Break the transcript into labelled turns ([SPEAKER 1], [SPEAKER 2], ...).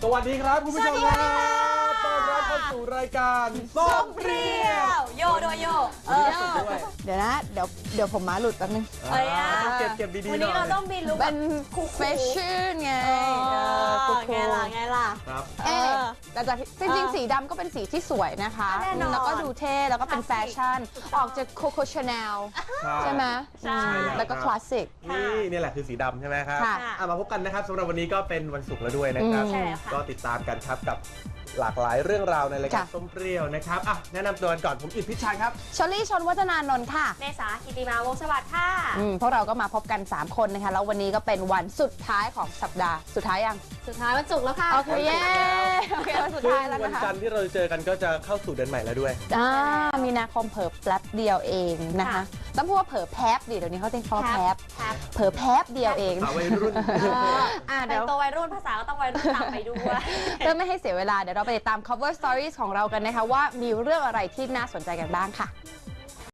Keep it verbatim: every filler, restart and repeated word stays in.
[SPEAKER 1] วัสดีครับคุณผู้ชมครับต้อนรับเข้าสู่รายการส้มเปรี้ยว
[SPEAKER 2] โยโดยโยเออ
[SPEAKER 3] เดี๋ยวนะเดี๋ยวเดี๋ยวผมมาหลุดแป๊บนึง
[SPEAKER 2] เอ้ยอะ
[SPEAKER 1] ต้องเก็บเก็บดีๆหน่อย
[SPEAKER 2] วันนี้เราต้องบินลุก
[SPEAKER 3] เป็นแฟชั่นไง
[SPEAKER 2] เอ
[SPEAKER 3] เออ
[SPEAKER 2] อ
[SPEAKER 3] คูล
[SPEAKER 2] ไงล่ะไงล่ะ
[SPEAKER 1] ครับ
[SPEAKER 3] เอ๊ะ
[SPEAKER 2] เออ
[SPEAKER 3] แต่จากจริงๆสีดำก็เป็นสีที่สวยนะคะ
[SPEAKER 2] แน่นอน
[SPEAKER 3] แล้วก็ดูเท่แล้วก็เป็นแฟชั่น ออกจากโคโค่ชาแนลใช่ไหม
[SPEAKER 2] ใช่
[SPEAKER 3] อืมแล้วก็คลาสสิก
[SPEAKER 1] นี่นี่แหละคือสีดำใช่ไหมครับ
[SPEAKER 3] ค่ะ
[SPEAKER 1] อ่ะมาพบกันนะครับสำหรับวันนี้ก็เป็นวันศุกร์แล้วด้วยนะครับ
[SPEAKER 3] อืม
[SPEAKER 2] ใช่แล้วค่ะ
[SPEAKER 1] ก็ติดตามกันครับกับหลากหลายเรื่องราวในรายการ
[SPEAKER 3] ค่ะ
[SPEAKER 1] ส้มเปรี้ยวนะครับอ่ะแนะนำตัวกันก่อนผมอิทธิชัยครับ
[SPEAKER 3] ชลลี่ชนวัฒนานนท์ค่ะ
[SPEAKER 2] เมษากิติมาวงศ์สวัสดิ์ค่ะ
[SPEAKER 3] อืมพวกเราก็มาพบกัน สาม คนนะคะแล้ววันนี้ก็เป็นวันสุดท้ายของสัปดาห์สุดท้ายยัง
[SPEAKER 2] สุดท้ายวันศุกร์แล้วค่ะ
[SPEAKER 3] โอเคเย้โอเควันสุด
[SPEAKER 1] ซึ่ง
[SPEAKER 3] ท้ายแล้ว
[SPEAKER 1] วัน
[SPEAKER 3] นะคะ
[SPEAKER 1] จันทร์ที่เราจะเจอกันก็จะเข้าสู่เดือนใหม่แล้วด้วย
[SPEAKER 3] อ่ามีนาคมเผลอแป๊บเดียวเองนะคะ
[SPEAKER 2] ค่ะ
[SPEAKER 3] ต้องพูดว่าเผลอแป๊บดิเดี๋ยวนี้เขาเต้นคอแป๊บ
[SPEAKER 2] ครับ
[SPEAKER 3] เผลอแป๊บเดียวเอง
[SPEAKER 1] สาววัยรุ่น
[SPEAKER 3] อ่า
[SPEAKER 2] แต่
[SPEAKER 3] เดี๋ยว
[SPEAKER 2] งตัววัยรุ่นภาษาก็ต้องวัยรุ่นตามไปด้วย
[SPEAKER 3] เพื่อไม่ให้เสียเวลาเดี๋ยวเราไปติดตาม cover stories ของเรากันนะคะว่ามีเรื่องอะไรที่น่าสนใจกันบ้างค่ะ